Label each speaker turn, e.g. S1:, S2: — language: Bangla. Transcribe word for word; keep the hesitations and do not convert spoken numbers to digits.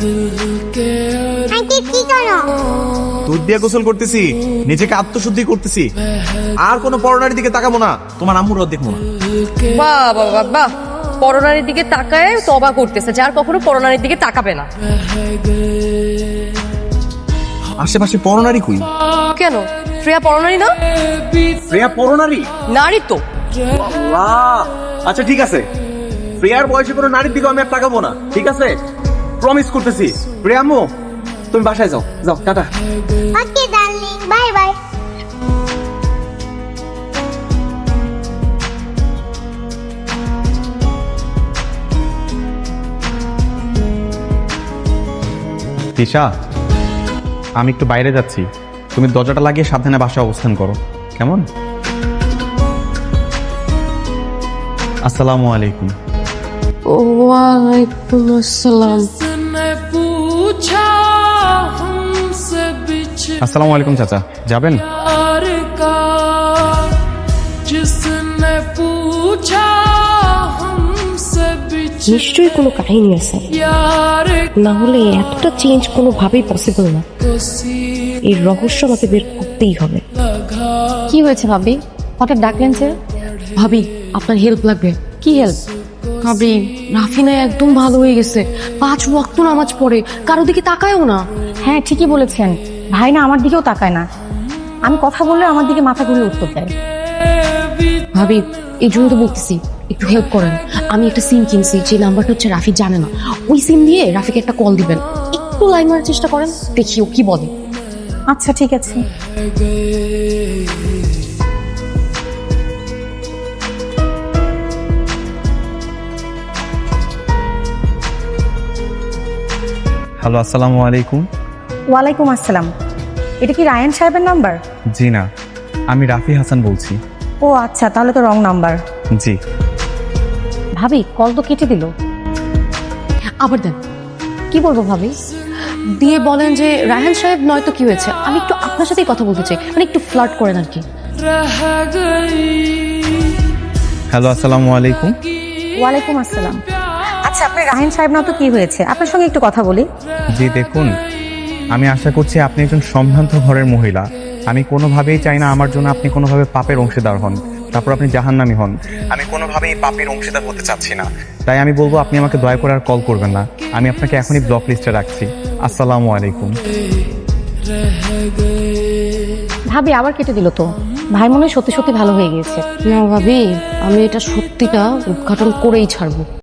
S1: আন্টি কি করো?
S2: দুধ দিয়ে গোসল করতেছি, নিজেকে আত্মশুদ্ধি করতেছি। আর কোনো পরনারীর দিকে তাকাবো না, তোমার আম্মুর দেখবো না।
S3: বাহ বাহ বাহ বাহ, পরনারীর দিকে তাকায় তবা করতেছে, যার কখনো পরনারীর দিকে তাকাবে না।
S2: আশেপাশে পরনারী কই?
S3: কেন, শ্রেয়া পরনারী না?
S2: শ্রেয়া পরনারী?
S3: নারী তো।
S2: আল্লাহ, আচ্ছা ঠিক আছে, প্রিয়ার বয়সে কোনো নারীর দিকে আমি আর তাকাবো না, ঠিক আছে? প্রমিস করতেছি। প্রিয়া আম্মু, তুমি বাসায় যাও, যাও, tata.
S1: Okay darling, bye bye.
S2: Tisha, আমি একটু বাইরে যাচ্ছি, তুমি দরজাটা লাগিয়ে সাবধানে বাসায় অবস্থান করো, কেমন? আসসালামু আলাইকুম।
S3: ওয়ালাইকুম আসসালাম।
S2: আসসালামু আলাইকুম চাচা, যাবেন?
S3: নিশ্চয়ই কোনো কাহিনী আছে, না হলে এতটা চেঞ্জ কোনোভাবেই পসিবল না। এই রহস্য আমাকে বের করতেই হবে।
S4: কি হয়েছে ভাবি, হঠাৎ ডাকলেন যে?
S3: ভাবি, আপনার হেল্প লাগবে।
S4: কি হেল্প?
S3: ভাবি, রাফিনা একদম ভালো হয়ে গেছে, পাঁচ ওয়াক্ত নামাজ পড়ে, কারো দিকে তাকায়ও না।
S4: হ্যাঁ ঠিকই বলেছেন, ভাই না আমার দিকেও তাকায় না, আমি কথা বললে আমার দিকে মাথা ঘুরে উত্তর দেয়।
S3: ভাবি, এই জন্য তো বলতেছি একটু হেল্প করেন। আমি একটা সিম কিনছি, যে নাম্বারটা হচ্ছে রাফি জানে না, ওই সিম দিয়ে রাফিকে একটা কল দিবেন, একটু লাইন মারার চেষ্টা করেন, দেখি ও কি বলে।
S4: আচ্ছা ঠিক আছে।
S2: হ্যালো, আসসালামু আলাইকুম।
S4: ওয়ালাইকুম আসসালাম। এটা কি রায়ান সাহেবের নাম্বার?
S2: জি না, আমি রাফি হাসান বলছি।
S4: ও আচ্ছা, তাহলে তো রং নাম্বার।
S2: জি।
S4: ভাবি, কল তো কেটে দিল।
S3: আবার দেন।
S4: কি বলবো ভাবি?
S3: দিয়ে বলেন যে রায়হান সাহেব নয়তো কি হয়েছে, আমি একটু আপনার সাথেই কথা বলতে চাই, মানে একটু ফ্লার্ট করেন আর কি।
S2: হ্যালো, আসসালামু আলাইকুম।
S4: ওয়ালাইকুম আসসালাম। আচ্ছা, আপনি রায়ান সাহেব না তো কি হয়েছে, আপনার সঙ্গে একটু কথা বলি।
S2: জি দেখুন, আমি আশা করছি আপনি একজন সম্ভ্রান্ত ঘরের মহিলা। আমি কোনোভাবেই চাই না আমার জন্য আপনি কোনোভাবে পাপের অংশীদার হন, তারপর আপনি জাহান্নামী হন। আমি কোনোভাবেই পাপের অংশীদার হতে চাচ্ছি না, তাই আমি বলবো আপনি আমাকে দয়া করে আর কল করবেন না। আমি আপনাকে এখনই ব্লক লিস্টে রাখছি। আসসালামু আলাইকুম।
S4: ভাবি, আবার কেটে দিল তো। ভাই মনে হয় সত্যি সত্যি ভালো হয়ে গিয়েছে।
S3: না ভাবি, আমি এটা সত্যিটা উদ্ঘাটন করেই ছাড়বো।